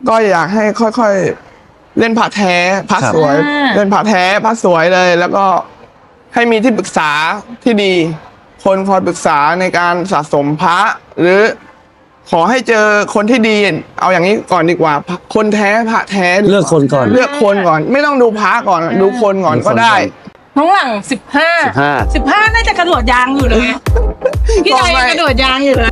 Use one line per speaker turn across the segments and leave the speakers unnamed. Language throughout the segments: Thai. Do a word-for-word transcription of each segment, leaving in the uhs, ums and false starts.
ก็อยากให้ค่อยๆเล่นพระแท้พระสวยเล่นพระแท้พระสวยเลย แล้วก็ให้มีที่ปรึกษาที่ดี คนคอยปรึกษาในการสะสมพระหรือขอให้เจอคนที่ดีเอาอย่างนี้ก่อนดีกว่าคนแท้พระแท้
เลือกคนก่อน
เลือกคนก่อนไม่ต้องดูพระก่อนดูคนก่อนก็ได้
น้องหลังสิบห้าสิบห้าน่าจะกระโดดยางอยู่เลยพี่ดอยกระโดดยางอยู่เลย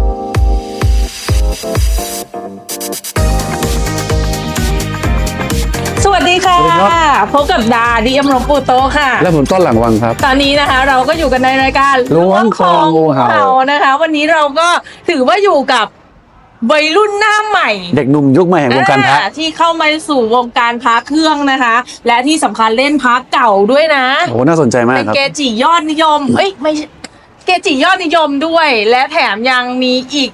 สวัสดีค่ะพบกับดาดีเอ็มหลวงปู่โตค่ะ
และผมต้นหลังวังครับ
ตอนนี้นะคะเราก็อยู่กันในรายการ
ล้วงคองูเห่า
นะคะวันนี้เราก็ถือว่าอยู่กับวัยรุ่นหน้าใหม่
เด็กหนุ่มยุคใหม่แห่งวงการพระ
ที่เข้ามาสู่วงการพระเครื่องนะคะและที่สำคัญเล่นพระเก่าด้วยนะ
โอ้น่าสนใจมากครับ
เป็นเกจิยอดนิยมเอ้ยไม่เกจิยอดนิยมด้วยและแถมยังมีอีก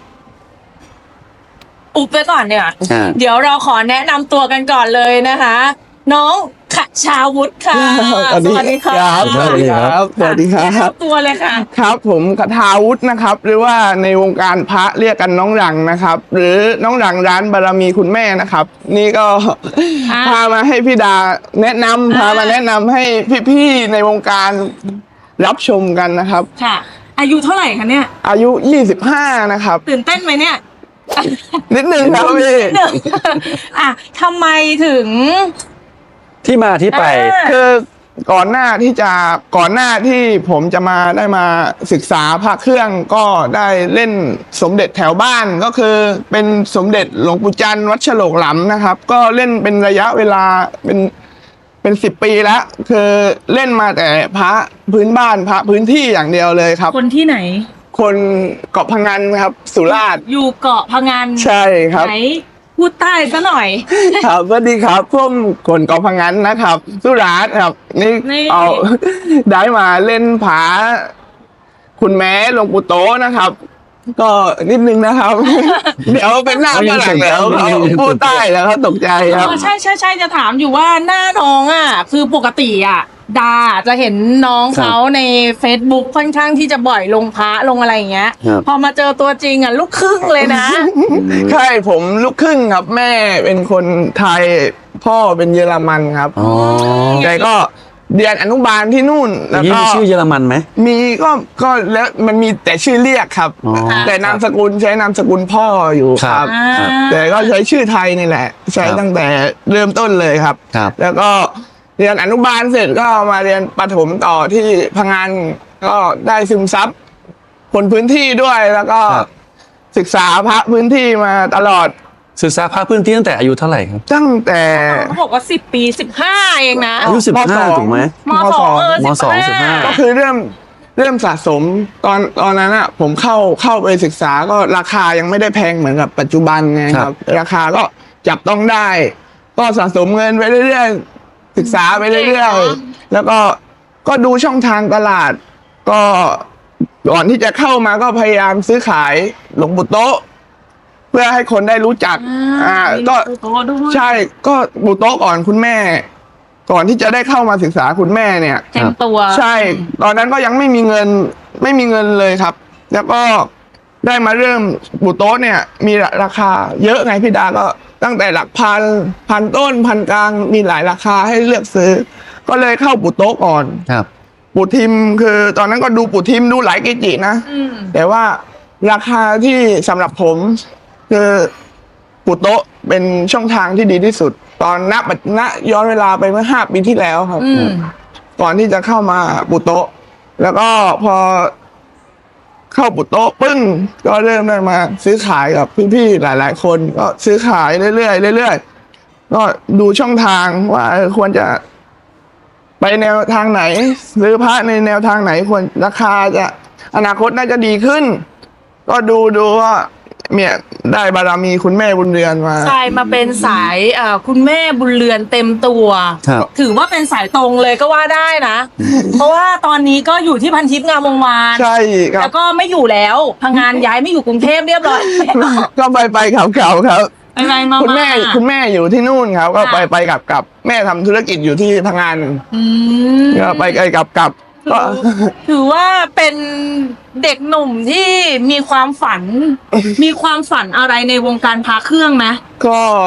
อุบไปก่อนเนี่ยเดี๋ยวเราขอแนะนำตัวกันก่อนเลยนะคะน้องขชาวุฒิค่ะ
สวัสดีครับสวัสดีครับสวัสดีครับ
ตัวเลยค่ะ
ครับผมขชาวุฒินะครับหรือว่าในวงการพระเรียกกันน้องหลังนะครับหรือน้องหลังร้านบารมีคุณแม่นะครับนี่ก็พามาให้พี่ดาแนะนำพามาแนะนำให้พี่ๆในวงการรับชมกันนะครับ
ค่ะอายุเท่าไหร่คะเนี่ย
อายุยี่สิบห้านะครับ
ตื่นเต้นไหมเนี่ย
นิดนึงครับพี่
อ่ะทำไมถึง
ที่มาที่ไป
คือก่อนหน้าที่จะก่อนหน้าที่ผมจะมาได้มาศึกษาพระเครื่องก็ได้เล่นสมเด็จแถวบ้านก็คือเป็นสมเด็จหลวงปู่จันทร์วัดฉลกหลำนะครับก็เล่นเป็นระยะเวลาเป็นเป็นสิบปีแล้วคือเล่นมาแต่พระพื้นบ้านพระพื้นที่อย่างเดียวเลยครับ
คนที่ไหน
คนเกาะพะงันครับสุราษฎร์
อยู่เกาะพะงัน
ใช่ครับ
ไหนพูดใต้ซะหน่อย
ครับสวัสดีครับพวกคนเกาะพะงันนะครับสุราษฎร์ครับนี่เอาได้มาเล่นผาคุณแม่หลวงปู่โตนะครับก็นิดนึงนะครับเดี๋ยวเป็นหน้าฝรั่งแล้วเขาพูดใต้แล้วเขาตกใจครับ
ใช่ใช่ใช่จะถามอยู่ว่าหน้าน้องอ่ะคือปกติอ่ะดาจะเห็นน้องเขาใน Facebook ค่อนข้างที่จะบ่อยลงพระลงอะไรอย่างเงี้ยพอมาเจอตัวจริงอ่ะลูกครึ่งเลยนะ
ใช่ผมลูกครึ่งครับแม่เป็นคนไทยพ่อเป็นเยอรมันครับแต่ก็เรียนอนุบาลที่นู่น
แล้วก็ชื่อเยอรมันไหม
มีก็ก็แล้วมันมีแต่ชื่อเรียกครับแต่นามสกุลใช้นามสกุลพ่ออยู่ครับแต่ก็ใช้ชื่อไทยนี่แหละใช้ตั้งแต่เริ่มต้นเลยครับแล้วก็เรียนอนุบาลเสร็จก็มาเรียนประถมต่อที่พังงานก็ได้ซึมซับคนพื้นที่ด้วยแล้วก็ศึกษาพระพื้นที่มาตลอด
ศึกษาพระพื้นที่ตั้งแต่อายุเท่าไหร่ครับ
ตั้งแต่
เขาบอกว่าสิบปีสิบห้าเองนะ
อายุสิบห้าถูกไหม
มสองเออ
มสองสิบห้า
ก็คือเริ่มเริ่มสะสมตอนตอนนั้นอ่ะผมเข้าเข้าไปศึกษาก็ราคายังไม่ได้แพงเหมือนกับปัจจุบันไงครับราคาก็จับต้องได้ก็สะสมเงินไปเรื่อยๆศึกษาไปเรื่อยๆแล้วก็ก็ดูช่องทางตลาดก็ก่อนที่จะเข้ามาก็พยายามซื้อขายหลวงปู่โตเพื่อให้คนได้รู้จักอ่าก็ใช่ก็ปู่โตก่อนคุณแม่ก่อนที่จะได้เข้ามาศึกษาคุณแม่เนี่ย
เต็มตัว
ใช่ตอนนั้นก็ยังไม่มีเงินไม่มีเงินเลยครับแล้วก็ได้มาเริ่มปู่โตเนี่ยมีราคาเยอะไงพี่ดาก็ตั้งแต่หลักพันพันต้นพันกลางมีหลายราคาให้เลือกซื้อก็เลยเข้าปู่โตก่อน
ครับ
ปู่ทิมคือตอนนั้นก็ดูปู่ทิมดูหลายเกจินะแต่ว่าราคาที่สำหรับผมคือปู่โตเป็นช่องทางที่ดีที่สุดตอนนับณย้อนเวลาไปเมื่อห้าปีที่แล้วครับก่อนที่จะเข้ามาปู่โตแล้วก็พอเข้าปู่โตปึ้งก็เริ่มได้มาซื้อขายกับพี่ๆหลายๆคนก็ซื้อขายเรื่อยๆเรื่อยๆก็ดูช่องทางว่าควรจะไปแนวทางไหนซื้อพระในแนวทางไหนควรราคาจะอนาคตน่าจะดีขึ้นก็ดูดูว่าเนี่ยได้บารมีคุณแม่บุญเรือนมา
ใช่มาเป็นสายอ่าคุณแม่บุญเรือนเต็มตัวถือว่าเป็นสายตรงเลยก็ว่าได้นะเพราะว่าตอนนี้ก็อยู่ที่พันทิพย์งามวงวาน
ใช่ครับ
แล้วก็ไม่อยู่แล้วพังงานย้ายไม่อยู่กรุงเทพเรียบร้อย
ก็ไปไปเก่าๆครับ
ไปๆมา
คุณแม่คุณแม่อยู่ที่นู่นครับก็ไปไปกลับกลับแม่ทำธุรกิจอยู่ที่พังงานก็ไปไปกลับกลับก็
ถือว่าเป็นเด็กหนุ่มที่มีความฝันมีความฝันอะไรในวงการพระเครื่องไหม
ก็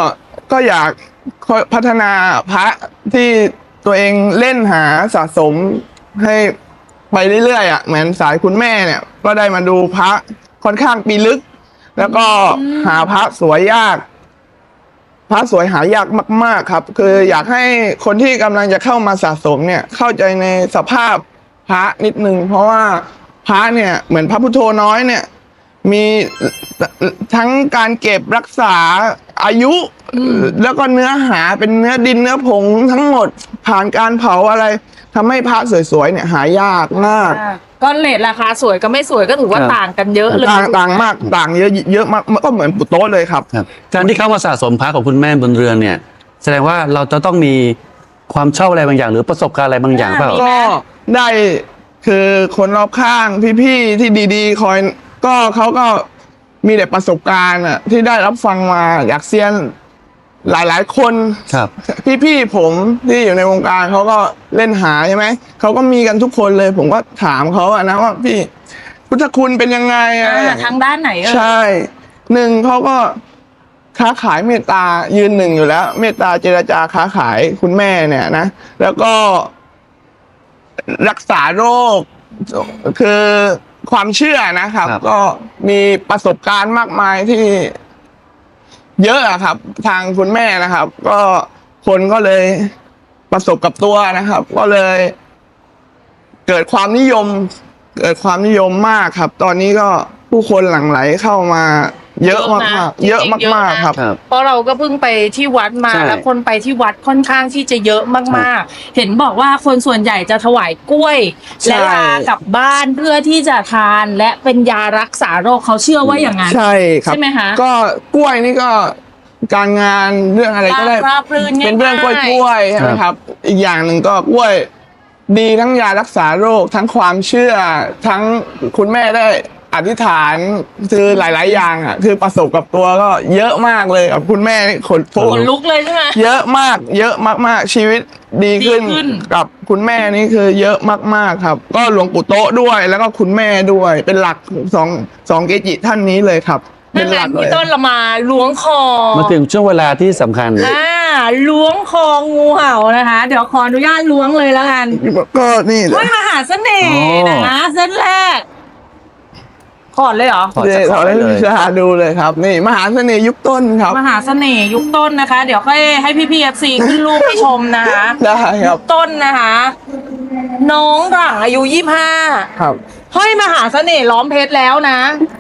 ก็อยากพัฒนาพระที่ตัวเองเล่นหาสะสมให้ไปเรื่อยๆอ่ะเหมือนสายคุณแม่เนี่ยก็ได้มาดูพระค่อนข้างปีลึก แล้วก็หาพระสวยยาก พระสวยหายากมาก ๆครับ คืออยากให้คนที่กำลังจะเข้ามาสะสมเนี่ยเข้าใจในสภาพพระนิดนึงเพราะว่าพระเนี่ยเหมือนพระพุทโธน้อยเนี่ยมีทั้งการเก็บรักษาอายุ แล้วก็เนื้อหาเป็นเนื้อดินเนื้อผงทั้งหมดผ่านการเผาอะไรทำให้พระสวยๆเนี่ยหายากมาก
ก็เลทราคาสวยก็ไม่สวยก็ถือว่า
ครับ
ต่างกันเยอะเลย
ต่างต่างมากต่างเยอะเยอะมากก็เหมือนปุโต๊ะเลยครับ
ครับการที่เข้ามาสะสมพระของคุณแม่บนเรือนเนี่ย แสดงว่าเราจะต้องมีความชอบอะไรบางอย่าง หรือประสบการณ์อะไรบางอย่างเปล่า
ก็ได้คือคนรอบข้างพี่ๆที่ดีๆ คอยก็เขาก็มีแต่ประสบการณ์อ่ะที่ได้รับฟังมาอยากเซียนหลายๆคน
ครับ
พี่ๆผมที่อยู่ในวงการเขาก็เล่นหาใช่ไหมเขาก็มีกันทุกคนเลย ผมก็ถามเขาอะนะว่าพี่พุทธคุณเป็นยังไงอะ
อ่าทางด้านไหนเออ
ใช่หนึ่งเขาก็ค้าขายเมตตายืนหนึ่งอยู่แล้ว เมตตาเจรจาค้าขายคุณแม่เนี่ยนะแล้วก็รักษาโรคคือความเชื่อนะครับ
ครับ
ก็มีประสบการณ์มากมายที่เยอะอะครับ ทางคุณแม่นะครับ ก็คนก็เลยประสบกับตัวนะครับ ก็เลย เกิดความนิยม เกิดความนิยมมากครับ ตอนนี้ก็ผู้คนหลั่งไหลเข้ามา เยอะมากๆเยอะมากๆครับ
ครับ
เพราะเราก็เพิ่งไปที่วัดมา
ใช่
แล้วคนไปที่วัดค่อนข้างที่จะเยอะมากๆ เห็นบอกว่าคนส่วนใหญ่จะถวายกล้วย
ใช่
และลากลับบ้านเพื่อที่จะทานและเป็นยารักษาโรคเขาเชื่อว่าอย่างนั้น
ใช่ครับ
ใช่ไหมคะ
ก็กล้วยนี่ก็การงานเรื่องอะไรก็ได้
ราบรื่นง่ายๆ
เป็นเรื่องกล้วยกล้วยๆใช่ไหมครับ อีกอย่างหนึ่งก็กล้วยดีทั้งยารักษาโรค ทั้งความเชื่อ ทั้งคุณแม่ได้อธิษฐานคือหลาย ๆ อย่างอ่ะคือประสบกับตัวก็เยอะมากเลยกับคุณแม่นี่ขน
ขนลุกเลยใช่ไหม
เยอะมาก เยอะมากๆชีวิตดีขึ้น
ดีขึ้น
กับคุณแม่นี่คือเยอะมากๆครับ ก็หลวงปู่โต๊ะด้วย แล้วก็คุณแม่ด้วย เป็นหลักสองสองเกจิท่านนี้เลยครับ เป็
นั่
น
นแห
ห
ละ
ลักเล
พี่
ย
ต้นเรามาล้วงคอ
มาถึงช่วงเวลาที่สำคัญ
อ่าล้วงคองูเห่านะคะ เดี๋ยวขออนุญาตล้วงเลยแล้วกัน
ก็นี่เล
ห้อย
ย
มหาเสน่ห์
โอ้
นะเส้นแรกขอดเลยเหรอ
ขอ
เดี๋
จะ
ยว
ขอ
ขอ
ได้
ให้
เลย
ชาดูเลยครับ นี่มหาเสน่ห์ยุคต้นครับ
มหาเสน่ห์ยุคต้นนะคะ เดี๋ยวค่อยให้พี่พีเอฟซีขึ้นรูปให้ชมนะคะ
ได้ครับ
ต้นนะคะ น้องหลังอายุยี่ห้า
ครับ
ห้อยมหาเสน่ห์ล้อมเพชรแล้วนะ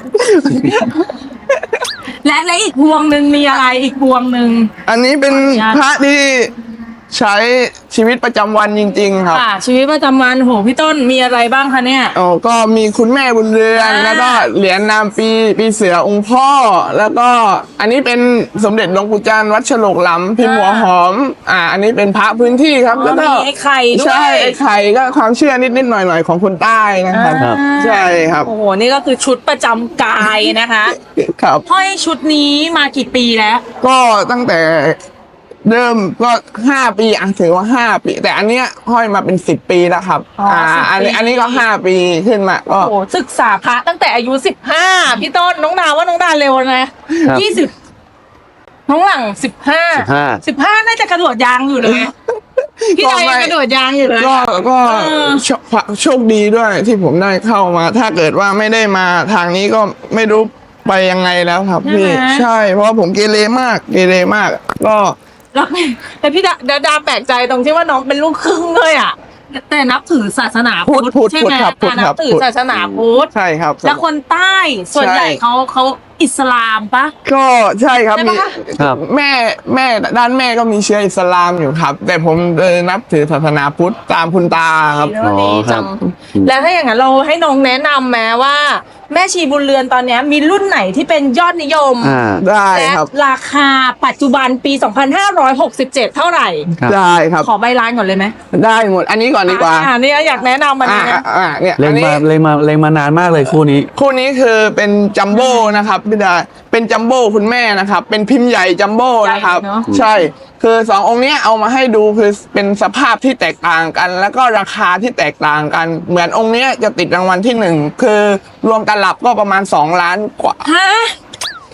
และและอีกพวงหนึ่งมีอะไรอีกพวงหนึ่ง
อันนี้เป็นพระที่ใช้ชีวิตประจำวันจริง ๆ ครับ
ค่ะชีวิตประจำวันโหพี่ต้นมีอะไรบ้างคะเนี่ย
อ๋อก็มีคุณแม่บุญเรือน
อ่า
แล้วก็เหรียญนามปีปีเสือองค์พ่อ แล้วก็อันนี้เป็นสมเด็จหลวงปู่จันทร์วัดฉลกหลำพิมพ์หัวหอม อ่า อันนี้เป็นพระพื้นที่ครับ แล้วก็
มีไอ้ไข่ด้วย
ใช่ไอ้ไข่ก็ความเชื่อนิดๆหน่อยๆของคนใต้นะครับ
อ่า
ใช่ครับ
โอ้โหนี่ก็คือชุดประจำกายนะคะ
ครับ
ห้อยชุดนี้มากี่ปีแล้ว
ก็ตั้งแต่เริ่มก็ห้าปีอ่ะถือว่าห้าปี แต่อันเนี้ยห้อยมาเป็นสิบปีแล้วครับ
อ๋ออ่
อ่า
สิบ
อัน
ปี
นี้อันนี้ก็ห้าปีขึ้นมาก็
โอ้โหศึกษาพระตั้งแต่อายุสิบห้าพี่ต้นน้องดาวว่าน้องดาวเร็วนะครับ ยี่สิบน้องหลังสิบห้า
สิบห้า
สิบห้าน่าจะกระโดดยางอยู่เลยพี่ดาวยังกระโดดยางอยู่เลย
ก็ก็
เออ
โชโชคดีด้วยที่ผมได้เข้ามา ถ้าเกิดว่าไม่ได้มาทางนี้ก็ไม่รู้ไปยังไงแล้วครับพี่ใช่ เพราะว่าผมเกเรมากเกเรมาก ก็
แล้วแต่พี่ดาดาดาแปลกใจตรงที่ว่าน้องเป็นลูกครึ่งด้วยอ่ะแต่นับถือศาสนาพุทธ
พุทธ
ใช่ไหม
พุทธครับพุทธ
นั
ครับ บ
ถือศาสนาพุทธ
ใช่ครับ
แล้วคนใต้ส่วนใหญ่
ใช่
เขาเขาอิสลามปะ
ก็ใช่ครับ
ใช่
มี
ปะ
ครับ
แม่แม่ด้านแม่ก็มีเชื้ออิสลามอยู่ครับ แต่ผมเออนับถือศาสนาพุทธตามคุณตาครับ
ดีเนอะดีจัง
อ๋อครับ
แล้วถ้าอย่างนั้นเราให้น้องแนะนำแม้ว่า แม่ชีบุญเรือนตอนเนี้ยมีรุ่นไหนที่เป็นยอดนิยม
อ่า
ได้
และ
ครับ
ราคาปัจจุบันปี สองพันห้าร้อยหกสิบเจ็ด เท่าไหร่
ครับ
ได้ครับ
ขอใบร้านก่อนเลยไหม
ได้หมด อันนี้ก่อนดีกว่า
อ่านี่อยากแนะนำมัน
อ่า
นี้นะ
อ่าเนี่ย
เล็
อั
ง
นนี้
มาเล็งมาเล็งมานานมากเลยคู่นี้
คู่นี้คือเป็นจัมโบ้นะครับพี่ดาเป็นจัมโบ้คุณแม่นะครับ เป็นพิมพ์ใหญ่จัมโบ้นะครับ
ใหญ่เนอะ
ใช่ คือสององค์เนี้ยเอามาให้ดูคือเป็นสภาพที่แตกต่างกัน แล้วก็ราคาที่แตกต่างกัน เหมือนองค์เนี้ยจะติดรางวัลที่หนึ่งคือรวมตลับก็ประมาณสองล้านกว่า
ฮะ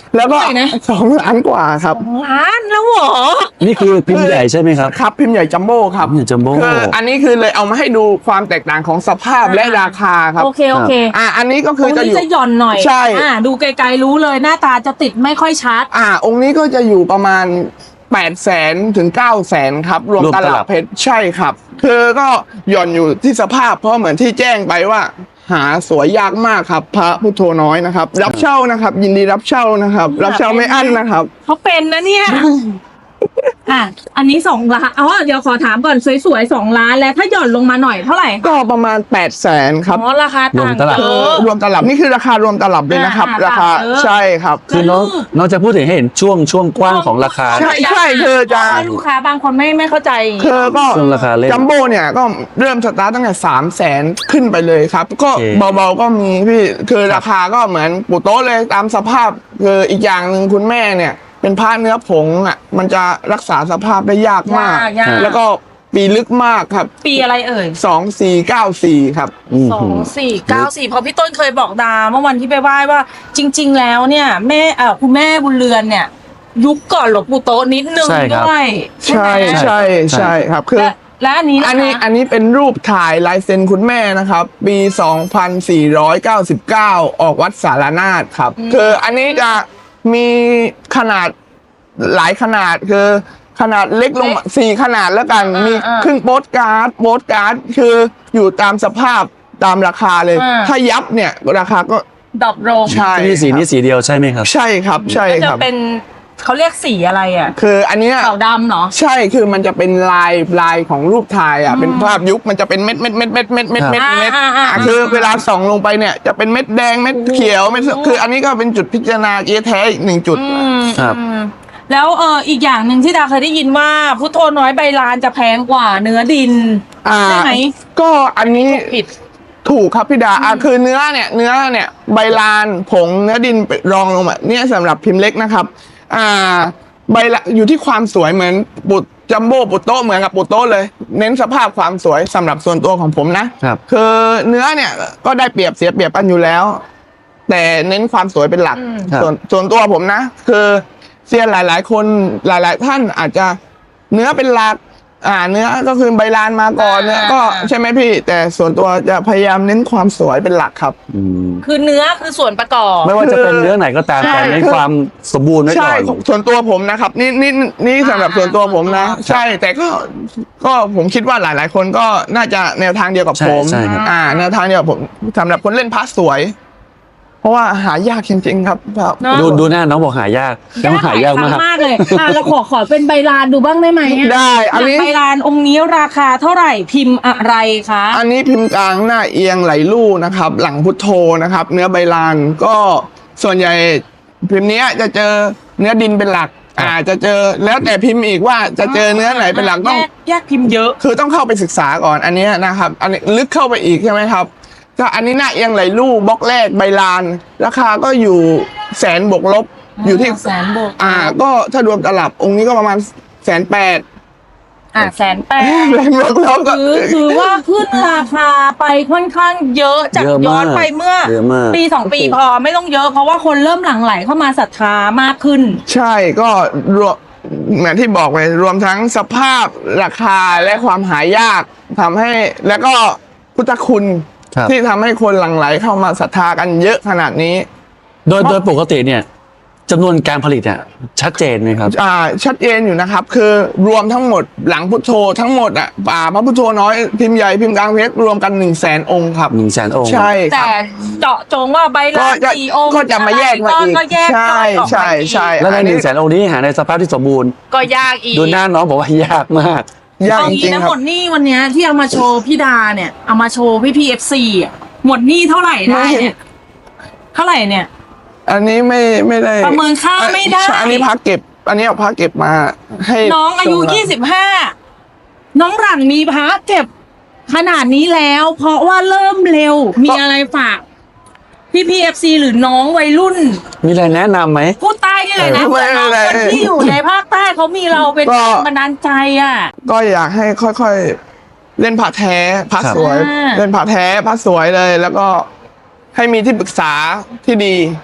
แล้วก็
เท่าไหร่นะ
สองล้านกว่าครับ
ล้านแล้วเหรอ
นี่คือพิมพ์ใหญ่ใช่ไหมครับ
ครับพิมพ์ใหญ่จัมโบ้ครับ
พิมพ์ใหญ่จัมโบ้
คืออันนี้คือเลยเอามาให้ดูความแตกต่างของสภาพและราคาครับ
โอเคโอเค
อ่าอันนี้ก็
ต
คื
ร
อง จะอ
นี้
ยู่
จะหย่อนหน่อย
ใช่
อ่าดูไกลๆรู้เลยหน้าตาจะติดไม่ค่อยชัด
อ่าองค์นี้ก็จะอยู่ประมาณแปดแสนถึงเก้าแสนครับ รวม
รวม
ต
ตลั
ลั
บ
บเพชรใช่ครับ คือก็หย่อนอยู่ที่สภาพเพราะเหมือนที่แจ้งไปว่า หาสวยยากมากครับ พระพุทโธน้อยนะครับ รับเช่านะครับ ยินดีรับเช่านะครับ รับเช่าไม่อั้นนะครับ
เขาเป็นนะเนี่ย อ่ะ อันนี้สองล้านอ๋อเดี๋ยวขอถามก่อนสวยๆสองล้านแล้วถ้าหย่อนลงมาหน่อยเท่าไหร่
ก็ประมาณแปดแสนครับ
อ๋อราคาต่าง
รวมตลับ
เย
คือ
อะ
รวมตลับนี่คือราคารวมตลับเลยนะครับ
อ่า
ราคา
เยอะ
ใช่ครับ
คือน้องน้องจะพูดถึงให้เห็นช่วงช่วงกว้างของราคา
ใช่ใช่คือจะ
ให้ลูกค้าบางคนไม่ไม่เข้าใจ
คือก็
ช่วงราคาเล่น
จัมโบ้เนี่ยก็เริ่มสตาร์ตตั้งแต่สามแสนขึ้นไปเลยครับ ก็
โอเค
เบาๆก็มีพี่คือราคาก็เหมือนปูโต๊ะเลยตามสภาพคืออีกอย่างหนึ่งคุณแม่เนี่ย เป็นผ้าเนื้อผงอ่ะมันจะรักษาสภาพได้ยากมาก
ยากยาก
แล้วก็ปีลึกมากครับ
ปีอะไรเอ่ย
สองสี่เก้าสี่ครับ
อืม
สองสี่เก้าสี่เพราะพี่ต้นเคยบอกดาเมื่อวันที่ไปไหว้ว่าจริง ๆ แล้วเนี่ยแม่เอ่อคุณแม่บุญเรือนเนี่ย ยุคก่อนหลวงปู่โตะนิดนึง
ใช่ครับ
ด้วย
ใช่
ไหม
ใช่ใช่ครับคือ
และและอันนี้ะคะ
อันนี้อันนี้เป็นรูปถ่ายลายเซ็นคุณแม่นะครับ ปี สองพันสี่ร้อยเก้าสิบเก้า ออกวัดสารนาถครับ คืออันนี้จะมีขนาดหลายขนาดคือขนาดเล็กลงมาสี่ขนาดแล้วกัน มีครึ่งโปสการ์ดโปสการ์ดคืออยู่ตามสภาพตามราคาเลย ถ้ายับเนี่ยราคาก็
ดรอปลง
ใช่
นี่สีนี้สีเดียวใช่ไหมครับ
ใช่ครับใช่
ก็
ค
จะ
รับ
เป็นเขาเรียกสีอะไรอ่ะ
คืออันเนี้ย
ขาวดำเหรอ
ใช่คือมันจะเป็นลายลายของรูปถ่ายอ่ะเป็นภาพยุคมันจะเป็นเม็ดเม็ดเม็ดเม็ดเม็ดเม็ดเม็ดเม็ด
อ่าอ่าอ่า
คือเวลาส่องลงไปเนี่ยจะเป็นเม็ดแดงเม็ดเขียวเม็ดคืออันนี้ก็เป็นจุดพิจารณาเอแท้อีกหนึ่งจุด
อืม
ครับ
อืมแล้วเอออีกอย่างหนึ่งที่ดาเคยได้ยินว่าพุทโธน้อยใบลานจะแพงกว่าเนื้อดิน
อ่า
ใช่ไหม
ก็อันนี้
ผิด
ถูกครับพี่ดาอ่ะคือเนื้อเนี่ยเนื้อเนี่ยใบลานผงเนื้อดินรองลงมาเนี่ยสำหรับพิมพ์เล็กนะครับ อ่าใบละอยู่ที่ความสวยเหมือนปุดจัมโบ้ปุดโต๊ะเหมือนกับปุดโต๊ะเลย เน้นสภาพความสวยสำหรับส่วนตัวของผมนะครับ คือเนื้อเนี่ยก็ได้เปรียบเสียเปรียบกันอยู่แล้ว แต่เน้นความสวยเป็นหลัก
ครับ
ส่วนส่วนตัวผมนะ คือเซียนหลาย ๆ คนหลาย ๆ ท่านอาจจะเนื้อเป็นหลัก อ่าเนื้อก็คือใบลานมาก่อนเนื้อก็ใช่ไหมพี่ แต่ส่วนตัวจะพยายามเน้นความสวยเป็นหลักครับ
อืม
คือเนื้อคือส่วนประกอบ
ไม่ว่าจะเป็นเนื้อไหนก็ตาม
ใช่
แต่ในความสมบูรณ์ไว้ก่
ใช่
อน
ส่วนตัวผมนะครับนี่นี่นี่สำหรับส่วนตัวผมนะ ใช่แต่ก็ก็ผมคิดว่าหลาย ๆ คนก็น่าจะแนวทางเดียวกับ
ใช่
ผม
ใช่ครับ
อ่าแนวทางเดียวกับผมสำหรับคนเล่นพาสสวย เพราะว่าหายากจริง ๆ ครับแบบ
เนอะ
ดูดูหน้าน้องบอกหายากยังหายากมาก
มากเลยอ่ะเราขอขอเป็นใบลานดูบ้างได้ไหมอะ
ได้อันนี้
ใบลานองค์นี้ราคาเท่าไหร่พิมพ์อะไรคะ
อันนี้พิมพ์กลางหน้าเอียงไหลลู่นะครับ หลังพุทโธนะครับ เนื้อใบลานก็ส่วนใหญ่พิมพ์เนี้ยจะเจอเนื้อดินเป็นหลัก อ่าจะเจอแล้วแต่พิมพ์อีกว่าจะเจอเนื้อไหนเป็นหลักต้อง
แยกแยกพิมพ์เยอะ
คือต้องเข้าไปศึกษาก่อนอันเนี้ยนะครับ อันนี้ลึกเข้าไปอีกใช่ไหมครับก็อันนี้หน้าเอียงไหลลู่บล็อกแรกใบลาน ราคาก็อยู่แสนบวกลบอยู่ที่
แสนบวก
อ่า ก็ถ้ารวมตลับองค์นี้ก็ประมาณแสนแปด
อ่ะแสนแปด
แรงบวกลบก็
คือคือว่าขึ้นราคาไปค่อนข้างเยอะจาก
เยอะมาก
ย้อนไปเมื่อ
เยอะมาก
ปีสองปีพอไม่ต้องเยอะเพราะว่าคนเริ่มหลั่งไหลเข้ามาศรัทธามากขึ้น
ใช่ก็รวมเหมือนที่บอกไปรวมทั้งสภาพราคาและความหายากทำให้แล้วก็พุทธคุณ
ครับ
ที่ทำให้คนหลั่งไหลเข้ามาศรัทธากันเยอะขนาดนี้
โดยโดยปกติเนี่ยจำนวนการผลิตเนี่ยชัดเจนไหมครับ
อ่าชัดเจนอยู่นะครับ คือรวมทั้งหมดหลังพุทโธทั้งหมดอ่ะป่าพระพุทโธน้อยพิมพ์ใหญ่พิมพ์กลางเพชรรวมกันหนึ่งแสนองค์ครับ
หนึ่งแสนองค์
ใช่ค
แต่
รับ
เจาะจงว่าใบลาน
ก็จะ
สี่องค์
ก็จะมาแยกมาอีก
ก็แยก
ใช่
ย่อยออกมา
ใช่
อีก
ใช่
แล้วในหนึ่งแสนองค์นี้หาในสภาพที่สมบูรณ์
ก็ยากอีก
ดูหน้าน้องบอกว่ายากมาก
ยาก
เอา
จ
งี้
ริง
นะ
ๆครั
หม
บ
ดหนี้วันเนี้ยที่เอามาโชว์พี่ดาเนี่ยเอามาโชว์พี่พีเอฟซีหมดหนี้เท่าไหร่ได้เนี่ยเท่าไหร่เนี่ย
อันนี้ไม่ไม่ได้
ประเมินค่าไม่ได้
ใช่อันนี้พักเก็บ อันนี้เอาพักเก็บมาให้
น้องอายุ
ส่งมา
ยี่สิบห้าน้องหลังมีพระเก็บขนาดนี้แล้ว เพราะว่าเริ่มเร็วมีอะไรฝากพี่พีเอฟซีหรือน้องวัยรุ่น
มีอะไรแนะนำไหม
พูดใต้นี่เลยนะ
เออ
เผื่อน้อง
ไม่
ค
เป็น
น
ไร
ที่อยู่ในภาคใต้เขามีเราเป็น
ก็
แรงบันดาลใจอ่ะ
ก็อยากให้ค่อยๆ เล่นผ่าแท้ผ่า
ครับ
สวย
อ่า
เล่นผ่าแท้ผ่าสวยเลย แล้วก็ให้มีที่ปรึกษาที่ดี ค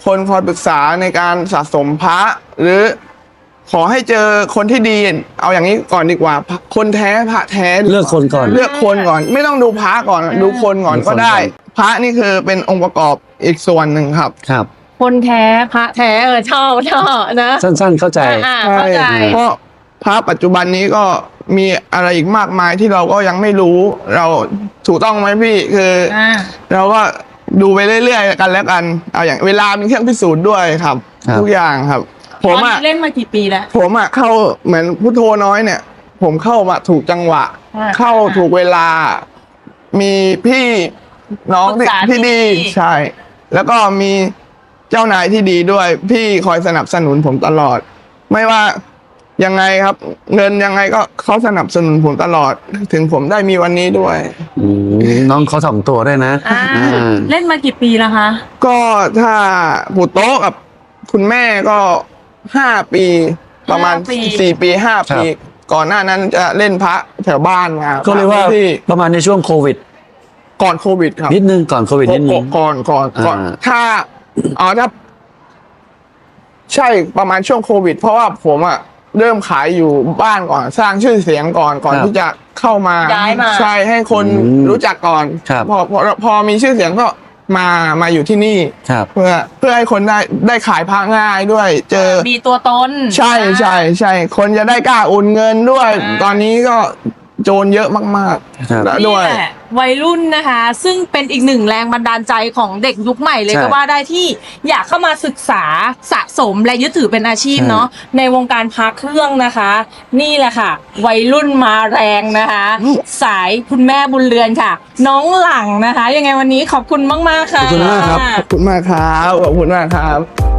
คนคอยปรึกษาในการสะสมพระ หรือขอให้เจอคนที่ดี เอาอย่างนี้ก่อนดีกว่าพระคนแท้พระแท้ดีว่า
เลือกคนก่อน
เลือกคนก่อน ไม่ต้องดูพระก่อนดูคนก่อน
ดูคน
ก็ได้
ก่อน
พระนี่คือเป็นองค์ประกอบอีกส่วนหนึ่งครับ
ครับ
คนแท้พระแท้เออชอบชอบนะ
สั้นๆเข้าใจ
อ่าเข้าใจ
เพราะพระปัจจุบันนี้ก็มีอะไรอีกมากมายที่เราก็ยังไม่รู้ เราถูกต้องไหมพี่คืออา เราก็ดูไปเรื่อยๆกันแล้วกันเอาอย่างเวลาเป็นเครื่องพิสูจน์ด้วยครับ
ครับ
ทุกอย่างครับ ผ
ตอ
ม
น
อ่ะ
นี้เล่นมากี่ปีแล้ว
ผมอ่ะเข้าเหมือนพุทโธน้อยเนี่ย ผมเข้ามาถูกจังหวะ
อ่า
เข้าถูกเวลา มีพี่น้อง
ปรึกษา
ที่ดี
ที่ดี
ใช่ แล้วก็มีเจ้านายที่ดีด้วย พี่คอยสนับสนุนผมตลอด ไม่ว่ายังไงครับ เงินยังไงก็เขาสนับสนุนผมตลอด ถึงผมได้มีวันนี้ด้วย
อืมน้องเขาถ่อมตัวด้วยนะ
อ่า
อ่า
เล่นมากี่ปีแล้วคะ
ก็ถ้าปู่โต๊ะกับคุณแม่ก็ห้าปี ประมาณ
ห้าปี
สี่ปีห้า
ครั
ปี
บ
ก่อนหน้านั้นจะเล่นพระแถวบ้านมา
ก็เรียกว่า
ที่
ประมาณในช่วงโควิด
ก่อนโควิดครับ
นิดนึงก่อนโควิดนิดนึง
ก่อนก่อนก่อน
อ่า
ถ้าอ๋อถ้าใช่ประมาณช่วงโควิด เพราะว่าผมอะเริ่มขายอยู่บ้านก่อน สร้างชื่อเสียงก่อนก่อน
ครับ
ที่จะเข้ามา
ย้ายมา
ใช่ให้คน
อืม
รู้จักก่อน
ครับ
พอพอพอมีชื่อเสียงก็มามาอยู่ที่นี่
ครับ
เพื่อเพื่อให้คนได้ได้ขายพระง่ายด้วย เจอ
มีตัวตน
ใช่ใช่ใช่คนจะได้กล้าโอนเงินด้วย
อ่า
ตอนนี้ก็โจรเยอะมาก
ครับ
ๆแล้ว
นี่
ด้วย
แหละวัยรุ่นนะคะ ซึ่งเป็นอีกหนึ่งแรงบันดาลใจของเด็กยุคใหม่เลย
ใช่
ก็ว่าได้ที่อยากเข้ามาศึกษาสะสมและยึดถือเป็นอาชีพ
ใช่
เนาะในวงการพระเครื่องนะคะ นี่แหละค่ะ วัยรุ่นมาแรงนะคะ สายคุณแม่บุญเรือนค่ะ น้องหลังนะคะ ยังไงวันนี้ขอบคุณมากๆค่ะ
ขอบคุณมากครับ
ขอบคุณมากครับขอบคุณมากครับ